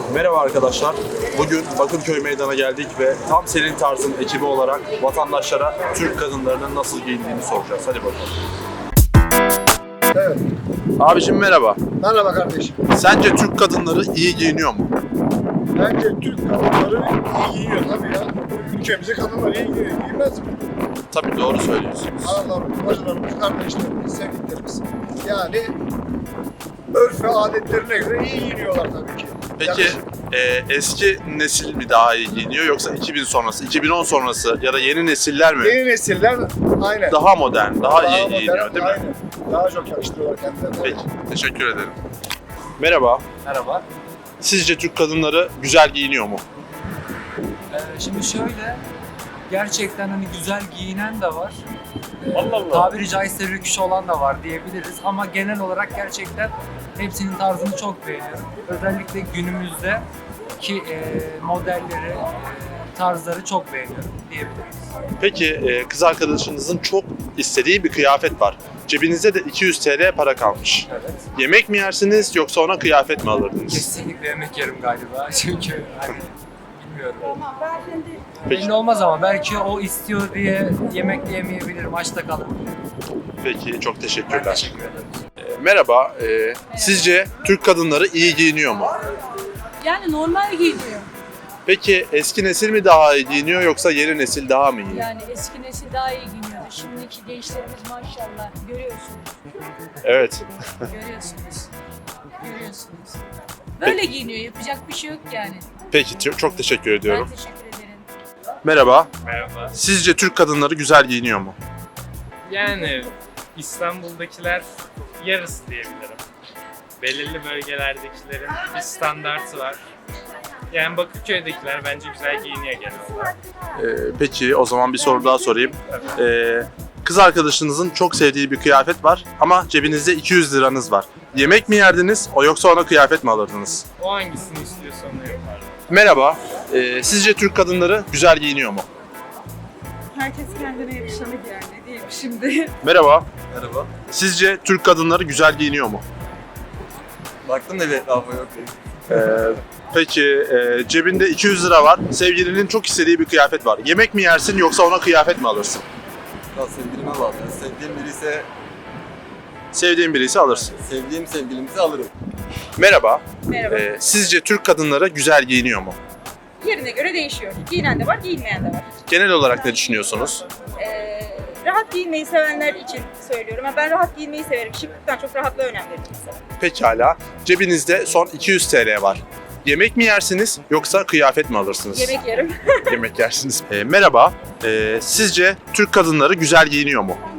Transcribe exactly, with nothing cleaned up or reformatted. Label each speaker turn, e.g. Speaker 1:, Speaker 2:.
Speaker 1: Merhaba arkadaşlar. Bugün Bakırköy Meydan'a geldik ve tam senin tarzın ekibi olarak vatandaşlara Türk kadınlarının nasıl giyindiğini soracağız. Hadi bakalım.
Speaker 2: Evet.
Speaker 1: Abicim merhaba.
Speaker 2: Merhaba kardeşim.
Speaker 1: Sence Türk kadınları iyi giyiniyor mu?
Speaker 2: Bence Türk kadınları iyi giyiyor tabii ya. Ülkemizde kadınlar iyi giyiyor. Giymez mi?
Speaker 1: Tabii doğru söylüyorsunuz.
Speaker 2: Analarımız, bacılarımız, kardeşlerimiz, sevdiklerimiz. Yani örf ve adetlerine göre iyi giyiniyorlar tabii ki.
Speaker 1: Peki
Speaker 2: Yakışır.
Speaker 1: e, eski nesil mi daha iyi giyiniyor yoksa iki bin sonrası, iki bin on sonrası ya da yeni nesiller mi
Speaker 2: Yeni nesiller aynen.
Speaker 1: daha modern, daha, iyi
Speaker 2: modern,
Speaker 1: giyiniyor değil mi?
Speaker 2: aynen. Daha çok yakıştırıyorlar kendilerine.
Speaker 1: Peki, teşekkür ederim. Merhaba.
Speaker 3: Merhaba.
Speaker 1: Sizce Türk kadınları güzel giyiniyor mu?
Speaker 3: Ee, şimdi şöyle, gerçekten hani güzel giyinen de var. Ee,
Speaker 1: Allah Allah.
Speaker 3: Tabiri caizse rüküş olan da var diyebiliriz ama genel olarak gerçekten hepsinin tarzını çok beğeniyorum. Özellikle günümüzde ki e, modelleri, e, tarzları çok beğeniyorum diyebiliriz.
Speaker 1: Peki e, kız arkadaşınızın çok istediği bir kıyafet var. Cebinizde de iki yüz T L para kalmış.
Speaker 3: Evet.
Speaker 1: Yemek mi yersiniz yoksa ona kıyafet mi alırdınız?
Speaker 3: Kesinlikle yemek yerim galiba çünkü hani bilmiyorum.
Speaker 1: Peki.
Speaker 3: Belli olmaz ama belki o istiyor diye yemek de yemeyebilirim, açta kalırım.
Speaker 1: Peki, çok
Speaker 3: Ben
Speaker 1: teşekkürler.
Speaker 3: teşekkür ederim.
Speaker 1: E, merhaba, e, sizce Türk kadınları iyi giyiniyor mu?
Speaker 4: Yani normal giyiniyor.
Speaker 1: Peki eski nesil mi daha iyi giyiniyor yoksa yeni nesil daha mı iyi?
Speaker 4: Yani eski nesil daha iyi giyiniyordu. Şimdiki gençlerimiz maşallah görüyorsunuz.
Speaker 1: Evet.
Speaker 4: Görüyorsunuz. Görüyorsunuz. Böyle giyiniyor. Yapacak bir şey yok yani.
Speaker 1: Peki, t- çok teşekkür ediyorum.
Speaker 4: Ben teşekkür ederim.
Speaker 1: Merhaba,
Speaker 5: Merhaba.
Speaker 1: sizce Türk kadınları güzel giyiniyor mu?
Speaker 5: Yani İstanbul'dakiler yarısı diyebilirim. Belirli bölgelerdekilerin bir standartı var. Yani Bakırköy'dekiler bence güzel giyiniyor genel olarak.
Speaker 1: Ee, peki o zaman bir soru daha sorayım. Ee, kız arkadaşınızın çok sevdiği bir kıyafet var ama cebinizde iki yüz liranız var. Yemek mi yerdiniz o yoksa ona kıyafet mi alırdınız?
Speaker 5: O hangisini istiyorsa onu yapardım.
Speaker 1: Merhaba, ee, sizce Türk kadınları güzel giyiniyor mu?
Speaker 6: Herkes kendine yakışanı giyer, ne diyeyim şimdi.
Speaker 1: Merhaba,
Speaker 7: Merhaba.
Speaker 1: sizce Türk kadınları güzel giyiniyor mu?
Speaker 7: Baktım da bir etrafa yok değil.
Speaker 1: Ee, peki ee, cebinde iki yüz lira var, sevgilinin çok istediği bir kıyafet var. Yemek mi yersin yoksa ona kıyafet mi alırsın?
Speaker 7: Ya sevgilime bağlı. Yani sevdiğim biri ise
Speaker 1: Sevdiğin birisi alırsın.
Speaker 7: sevdiğim sevgilimizi alırım.
Speaker 1: Merhaba,
Speaker 6: Merhaba.
Speaker 1: ee, sizce Türk kadınları güzel giyiniyor mu?
Speaker 6: Yerine göre değişiyor. Giyinen de var, giyinmeyen de var.
Speaker 1: Genel olarak ne düşünüyorsunuz?
Speaker 6: Ee, rahat giyinmeyi sevenler için söylüyorum. Ha, ben rahat giyinmeyi severim. Şıklıktan çok rahatlığa önem veririm mesela.
Speaker 1: Pekala. Cebinizde son iki yüz T L var. Yemek mi yersiniz yoksa kıyafet mi alırsınız?
Speaker 6: Yemek yerim.
Speaker 1: Yemek yersiniz. Ee, merhaba. Ee, sizce Türk kadınları güzel giyiniyor mu?